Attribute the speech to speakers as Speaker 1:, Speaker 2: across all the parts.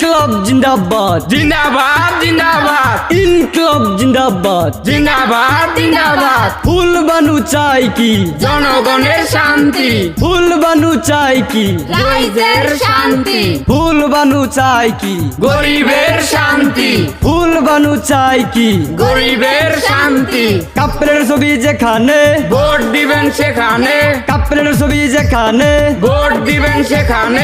Speaker 1: ইনকলাব জিন্দাবাদ
Speaker 2: জিন্দাবাদ জিন্দাবাদ
Speaker 1: ইনকলাব জিন্দাবাদ
Speaker 2: জিন্দাবাদ জিন্দাবাদ
Speaker 1: ফুল বানু চাই কি
Speaker 2: জনগণের শান্তি
Speaker 1: ফুল বানু চাই কি
Speaker 2: রাইজের শান্তি
Speaker 1: ফুল বানু চাই কি
Speaker 2: গরিবের শান্তি
Speaker 1: ফুল বানু চাই কি
Speaker 2: গরিবের শান্তি
Speaker 1: কাপড়ের ছবি যেখানে
Speaker 2: ভোট দিবেন সেখানে
Speaker 1: কাপড়ের ছবি যেখানে
Speaker 2: ভোট দিবেন সেখানে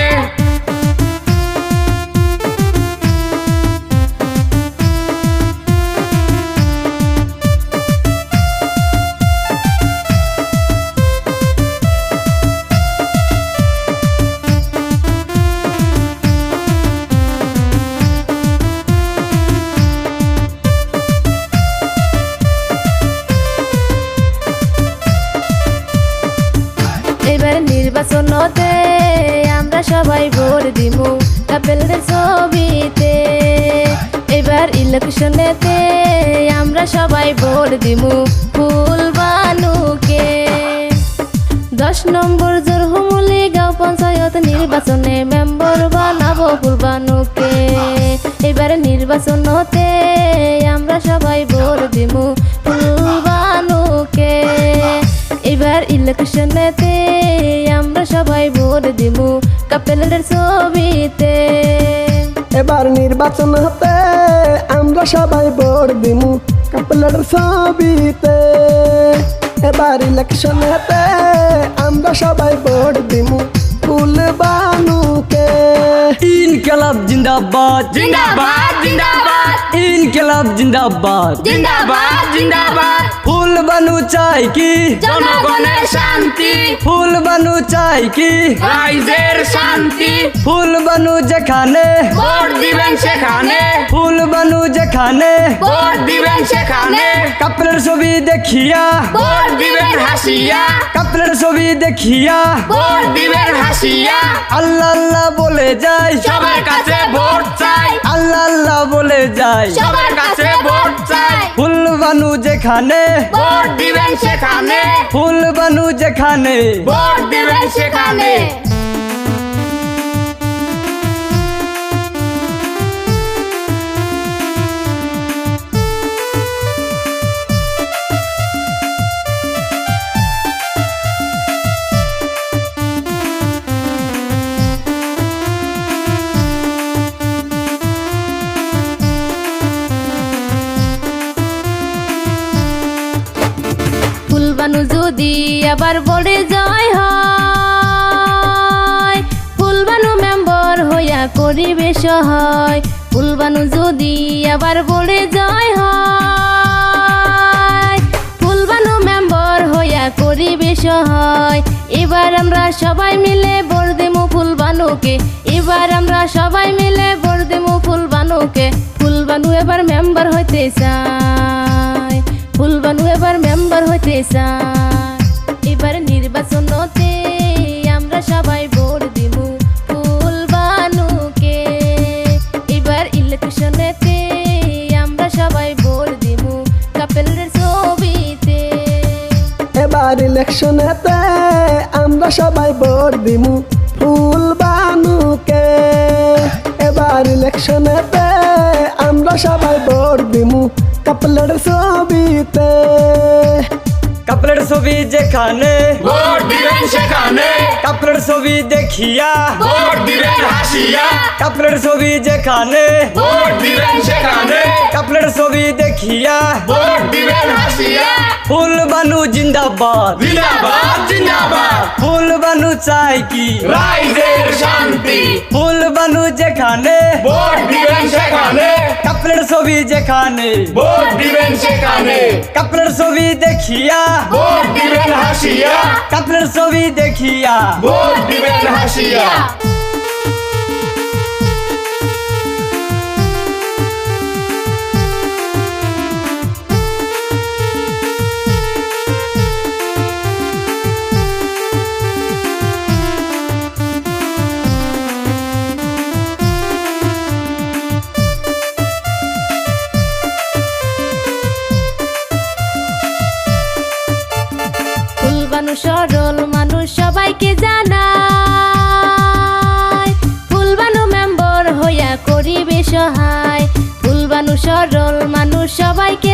Speaker 3: এবার নির্বাচনতে আমরা সবাই ভোট দিমু কাপেলদের ছবিতে এবার ইলেকশনেতে আমরা সবাই ভোট দিমু ফুল বানুকে 10 নম্বর জোরহুমুলি গাঁও পঞ্চায়েত নির্বাচনে মেম্বার বানাবো ফুল বানুকে এবার নির্বাচনতে আমরা সবাই ভোট দিমু ফুল বানুকে এবার ইলেকশনেতে আমরা সবাই ভোট দিমু কাপেলের ছবিতে
Speaker 4: এবার নির্বাচন হতে আমরা সবাই ভোট দিমু কাপলের ছবিতে এবার ইলেকশন হতে আমরা সবাই ভোট দিমু ফুল বানুকে
Speaker 1: ইনকলাব জিন্দাবাদ
Speaker 2: জিন্দাবাদ জিন্দাবাদ
Speaker 1: ইনকলাব জিন্দাবাদ
Speaker 2: জিন্দাবাদ জিন্দাবাদ
Speaker 1: ফুল বানু চাই কি
Speaker 2: জনগণের শান্তি
Speaker 1: ফুল বানু চাই কি
Speaker 2: রাইজের শান্তি
Speaker 1: ফুল বানু যেখানে
Speaker 2: ভোট দিবেন সেখানে
Speaker 1: ফুল বানু যেখানে
Speaker 2: ভোট দিবেন সেখানে
Speaker 1: কাপড়ের ছবি দেখিয়া
Speaker 2: ভোট দিবেন হাসিয়া
Speaker 1: কাপড়ের ছবি দেখিয়া
Speaker 2: ভোট দিবেন হাসিয়া
Speaker 1: আল্লাহ আল্লাহ বলে যাই
Speaker 2: সবার কাছে ভোট চাই
Speaker 1: আল্লাহ আল্লাহ বলে যাই
Speaker 2: সবার কাছে ভোট চাই
Speaker 1: ফুল বানু যেখানে
Speaker 2: ভোট দিবেন সেখানে
Speaker 1: ফুল বানু যেখানে
Speaker 2: ভোট দিবেন সেখানে
Speaker 3: ফুল বানু যদি আবার বড়ে জয় হয় ফুল বানু মেম্বার হইয়া করিবে সহায় ফুল বানু যদি আবার বড়ে জয় হয় ফুল বানু মেম্বার হইয়া করিবে সহায় এবার আমরা সবাই মিলে ভোট দেমু ফুল বানুকে এবার আমরা সবাই মিলে ভোট দেমু ফুল বানুকে ফুল বানু এবার মেম্বার হইতে চায় ফুল বানু এবার মেম্বার হইতে চায় এবার নির্বাচনতে আমরা সবাই ভোট দিমু ফুল বানুকে এবার ইলেকশনেতে আমরা সবাই ভোট দিমু কাপেলের ছবিতে
Speaker 4: এবার ইলেকশনেতে আমরা সবাই ভোট দিমু ফুল বানুকে এবার ইলেকশনেতে আমরা সবাই ভোট দিমু কাপলের ছবিতে
Speaker 1: কাপড়ের ছবি যেখানে
Speaker 2: ভোট দিবেন সেখানে
Speaker 1: কাপড়ের ছবি দেখিয়া
Speaker 2: ভোট দিবেন হাসিয়া
Speaker 1: কাপড়ের ছবি যেখানে
Speaker 2: ভোট দিবেন সেখানে
Speaker 1: কাপড়ের ছবি দেখিয়া
Speaker 2: ভোট দিবেন হাসিয়া
Speaker 1: ফুল বানু জিন্দাবাদ
Speaker 2: জিন্দাবাদ জিন্দাবাদ
Speaker 1: ফুল বানু চাই কি
Speaker 2: রাইজের শান্তি
Speaker 1: ফুল বানু যেখানে
Speaker 2: ভোট দিবেন সেখানে
Speaker 1: কাপড়ের ছবি যেখানে
Speaker 2: ভোট দিবেন সেখানে
Speaker 1: কাপড়ের ছবি দেখিয়া
Speaker 2: ভোট দিবেন হাসিয়া
Speaker 1: কাপড়ের ছবি দেখিয়া
Speaker 2: ভোট দিবেন হাসিয়া
Speaker 3: সরল মানুষ সবাইকে জানায় সবাইকে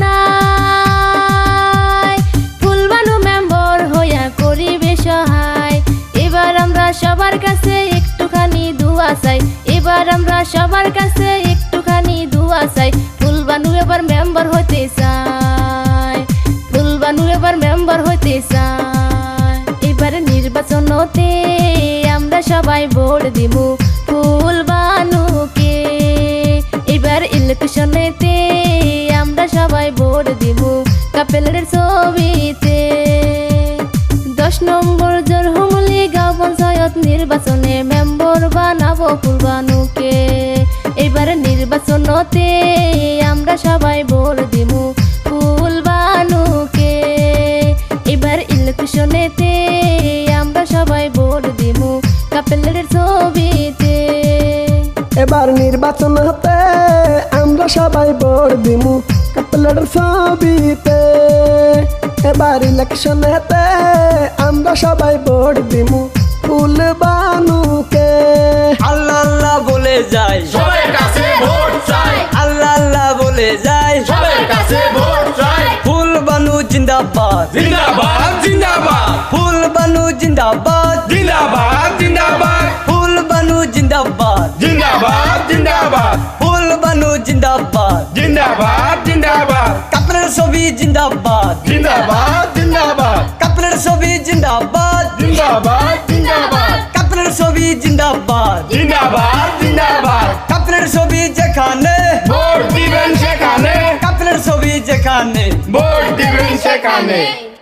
Speaker 3: জানাই ফুলবানু মেম্বার হইয়া করিবে সহায় এবার আমরা সবার কাছে একটুখানি দোয়া চাই এবার আমরা সবার কাছে একটুখানি দোয়া চাই ফুলবানু এবার মেম্বার হতে চাই ফুলবানু এবার মেম্বার হতে চাই এবার নির্বাচনতে আমরা সবাই ভোট দিব ফুলবানুকে এবার ইলেকশনেতে আমরা সবাই ভোট দিব কাপেলের ছবিতে 10 নম্বর জোরহুমলি গাঁও পঞ্চায়েত নির্বাচনে মেম্বার বানাবো ফুলবানুকে এবার নির্বাচনতে আমরা সবাই ভোট দিব ফুলবানুকে এবার ইলেকশনেতে আমরা সবাই ভোট দিব কাপেলের ছবিতে
Speaker 4: এবার নির্বাচন হতে আমরা সবাই ভোট দিমু কাপলার ছবিতে এবার ইলেকশন হতে আমরা সবাই ভোট দিমু ফুলবানুকে
Speaker 1: আল্লাহ আল্লাহ বলে যাই
Speaker 2: সবার কাছে ভোট চাই
Speaker 1: আল্লাহ আল্লাহ বলে যাই
Speaker 2: সবার কাছে ভোট চাই
Speaker 1: ফুলবানু জিন্দাবাদ
Speaker 2: জিন্দাবাদ জিন্দাবাদ
Speaker 1: ফুলবানু জিন্দাবাদ
Speaker 2: জিন্দাবাদ জিন্দাবাদ
Speaker 1: ফুলবানু জিন্দাবাদ
Speaker 2: জিন্দাবাদ জিন্দাবাদ
Speaker 1: ফুলবানু জিন্দাবাদ
Speaker 2: জিন্দাবাদ জিন্দাবাদ
Speaker 1: কাপড়ের ছবি জিন্দাবাদ
Speaker 2: জিন্দাবাদ জিন্দাবাদ
Speaker 1: কাপড়ের ছবি জিন্দাবাদ
Speaker 2: জিন্দাবাদ জিন্দাবাদ
Speaker 1: কাপড়ের ছবি জিন্দাবাদ
Speaker 2: জিন্দাবাদ জিন্দাবাদ
Speaker 1: কাপড়ের ছবি যেখানে
Speaker 2: ভোট দিবেন সেখানে
Speaker 1: কাপড়ের ছবি যেখানে
Speaker 2: ভোট দিবেন সেখানে